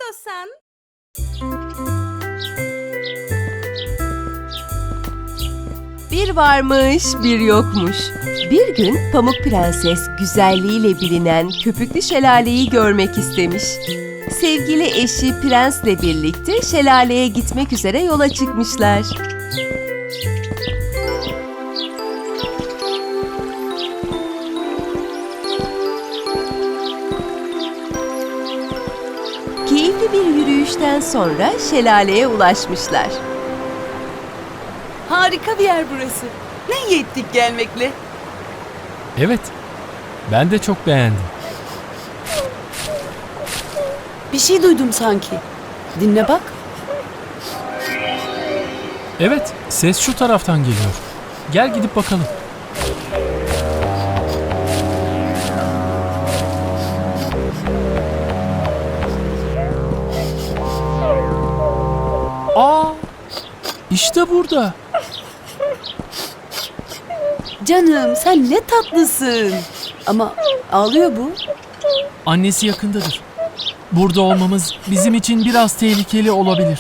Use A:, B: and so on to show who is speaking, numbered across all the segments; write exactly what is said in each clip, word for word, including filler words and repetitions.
A: istiyorsan.
B: Bir varmış, bir yokmuş. Bir gün Pamuk Prenses güzelliğiyle bilinen Köpüklü Şelale'yi görmek istemiş. Sevgili eşi Prens'le birlikte şelaleye gitmek üzere yola çıkmışlar. Keyifli bir yürüyüşten sonra şelaleye ulaşmışlar.
A: Harika bir yer burası. Ne iyi ettik gelmekle.
C: Evet, ben de çok beğendim.
A: Bir şey duydum sanki. Dinle bak.
C: Evet, ses şu taraftan geliyor. Gel gidip bakalım. Aa, işte burada.
A: Canım sen ne tatlısın. Ama ağlıyor bu.
C: Annesi yakındadır. Burada olmamız bizim için biraz tehlikeli olabilir.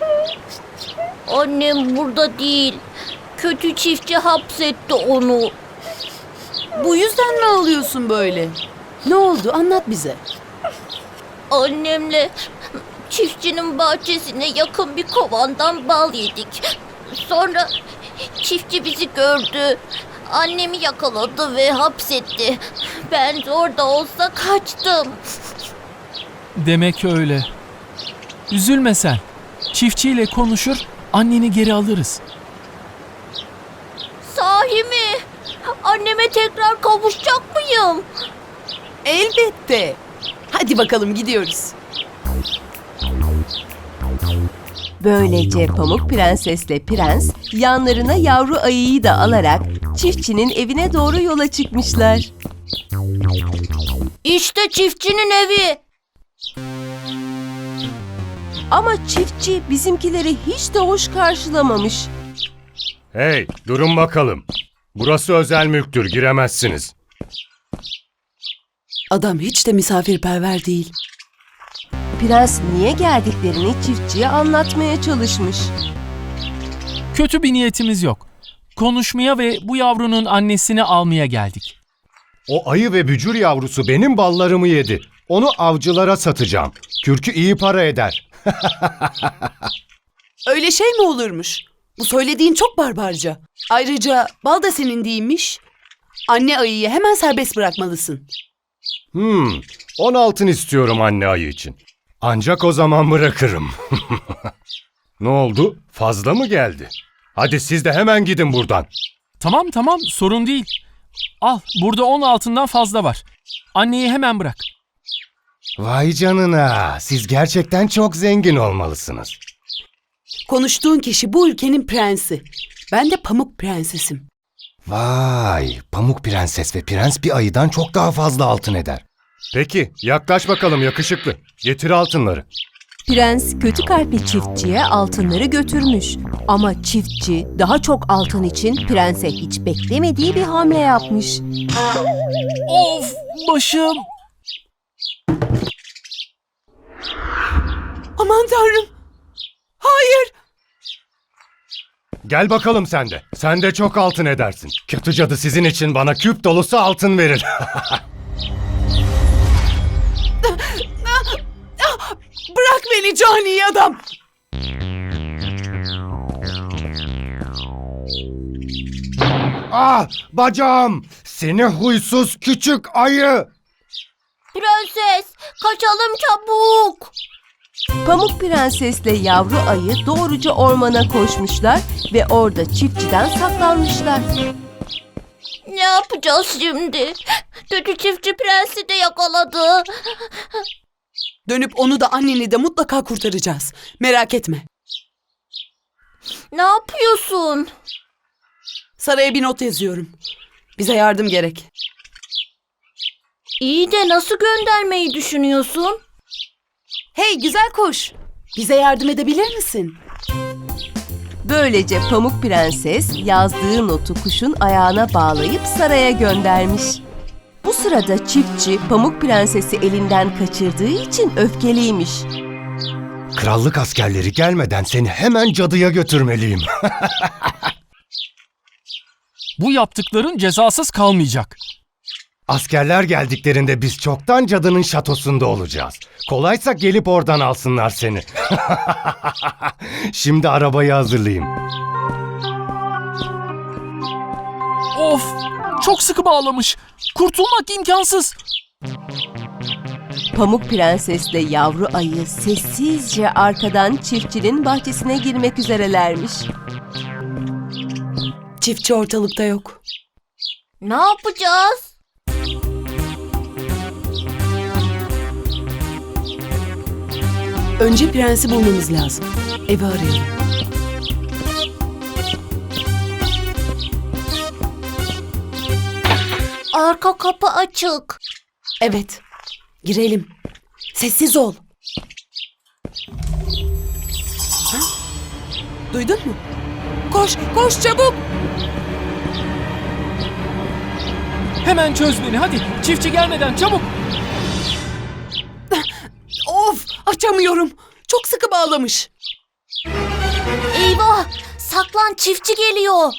D: Annem burada değil. Kötü çiftçi hapsetti onu.
A: Bu yüzden mi ağlıyorsun böyle? Ne oldu anlat bize.
D: Annemle çiftçinin bahçesine yakın bir kovandan bal yedik. Sonra çiftçi bizi gördü. Annemi yakaladı ve hapsetti. Ben de orada olsa kaçtım.
C: Demek öyle. Üzülme sen. Çiftçiyle konuşur, anneni geri alırız.
D: Sahi mi? Anneme tekrar kavuşacak mıyım?
A: Elbette. Hadi bakalım gidiyoruz.
B: Böylece Pamuk Prensesle Prens yanlarına yavru ayıyı da alarak çiftçinin evine doğru yola çıkmışlar.
D: İşte çiftçinin evi.
B: Ama çiftçi bizimkileri hiç de hoş karşılamamış.
E: Hey, durun bakalım. Burası özel mülktür, giremezsiniz.
A: Adam hiç de misafirperver değil.
B: Prens niye geldiklerini çiftçiye anlatmaya çalışmış.
C: Kötü bir niyetimiz yok. Konuşmaya ve bu yavrunun annesini almaya geldik.
E: O ayı ve bücür yavrusu benim ballarımı yedi. Onu avcılara satacağım. Kürkü iyi para eder.
A: Öyle şey mi olurmuş? Bu söylediğin çok barbarca. Ayrıca bal da senin değilmiş. Anne ayıyı hemen serbest bırakmalısın.
E: Hmm, on altın istiyorum anne ayı için. Ancak o zaman bırakırım. Ne oldu? Fazla mı geldi? Hadi siz de hemen gidin buradan.
C: Tamam tamam, sorun değil. Al, burada on altından fazla var. Anneyi hemen bırak.
E: Vay canına, siz gerçekten çok zengin olmalısınız.
A: Konuştuğun kişi bu ülkenin prensi. Ben de Pamuk Prensesim.
E: Vay, Pamuk Prenses ve Prens bir ayıdan çok daha fazla altın eder. Peki, yaklaş bakalım yakışıklı. Getir altınları.
B: Prens kötü kalpli çiftçiye altınları götürmüş. Ama çiftçi daha çok altın için prense hiç beklemediği bir hamle yapmış.
C: Of, başım.
A: Aman tanrım. Hayır.
E: Gel bakalım sen de. Sen de çok altın edersin. Kötü cadı sizin için bana küp dolusu altın verir.
A: Bırak beni cani adam.
E: Ah, bacağım! Seni huysuz küçük ayı!
D: Prenses, kaçalım çabuk.
B: Pamuk Prensesle yavru ayı doğruca ormana koşmuşlar ve orada çiftçiden saklanmışlar.
D: Ne yapacağız şimdi? Kötü çiftçi prensi de yakaladı.
A: Dönüp onu da anneni de mutlaka kurtaracağız. Merak etme.
D: Ne yapıyorsun?
A: Saraya bir not yazıyorum. Bize yardım gerek.
D: İyi de nasıl göndermeyi düşünüyorsun?
A: Hey güzel kuş. Bize yardım edebilir misin?
B: Böylece Pamuk Prenses yazdığı notu kuşun ayağına bağlayıp saraya göndermiş. Bu sırada çiftçi Pamuk Prenses'i elinden kaçırdığı için öfkeliymiş.
E: Krallık askerleri gelmeden seni hemen cadıya götürmeliyim.
C: Bu yaptıkların cezasız kalmayacak.
E: Askerler geldiklerinde biz çoktan cadının şatosunda olacağız. Kolaysa gelip oradan alsınlar seni. Şimdi arabayı hazırlayayım.
C: Of! Çok sıkı bağlamış. Kurtulmak imkansız.
B: Pamuk Prensesle yavru ayı sessizce arkadan çiftçinin bahçesine girmek üzerelermiş.
A: Çiftçi ortalıkta yok.
D: Ne yapacağız?
A: Önce prensi bulmamız lazım. Evi arayalım.
D: Arka kapı açık.
A: Evet. Girelim. Sessiz ol. Ha? Duydun mu? Koş, koş çabuk.
C: Hemen çöz beni hadi. Çiftçi gelmeden çabuk.
A: Of, açamıyorum. Çok sıkı bağlamış.
D: Eyvah! Saklan, çiftçi geliyor.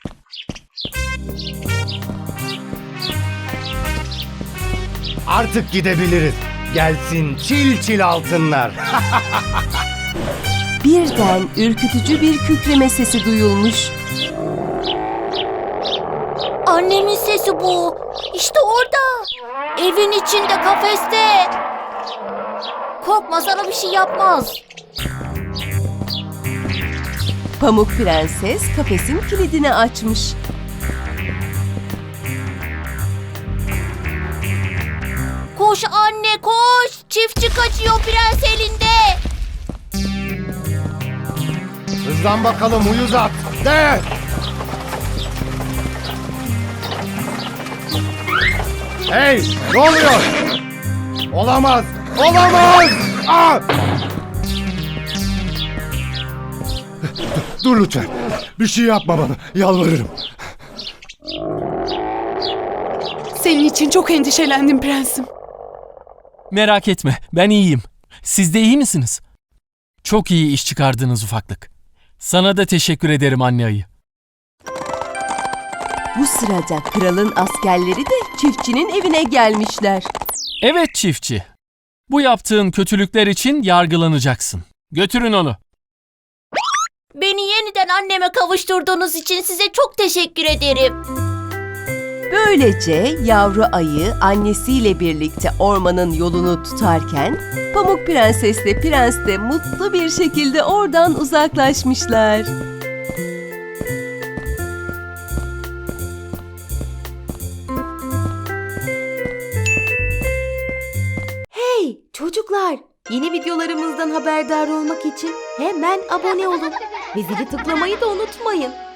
E: Artık gidebiliriz. Gelsin çil çil altınlar.
B: Birden ürkütücü bir kükreme sesi duyulmuş.
D: Annemin sesi bu. İşte orada. Evin içinde, kafeste. Korkma, sana bir şey yapmaz.
B: Pamuk Prenses kafesin kilidini açmış.
D: Koş anne, koş. Çiftçi kaçıyor, prens elinde.
E: Hızlan bakalım uyuz at. De! Hey! Ne oluyor? Olamaz! Olamaz! Aa! Dur lütfen. Bir şey yapma bana. Yalvarırım.
A: Senin için çok endişelendim prensim.
C: Merak etme, ben iyiyim. Siz de iyi misiniz? Çok iyi iş çıkardınız ufaklık. Sana da teşekkür ederim anne ayı.
B: Bu sırada kralın askerleri de çiftçinin evine gelmişler.
C: Evet çiftçi. Bu yaptığın kötülükler için yargılanacaksın. Götürün onu.
D: Beni yeniden anneme kavuşturduğunuz için size çok teşekkür ederim.
B: Böylece yavru ayı annesiyle birlikte ormanın yolunu tutarken Pamuk Prensesle Prens de mutlu bir şekilde oradan uzaklaşmışlar.
F: Hey çocuklar! Yeni videolarımızdan haberdar olmak için hemen abone olun ve zili tıklamayı da unutmayın.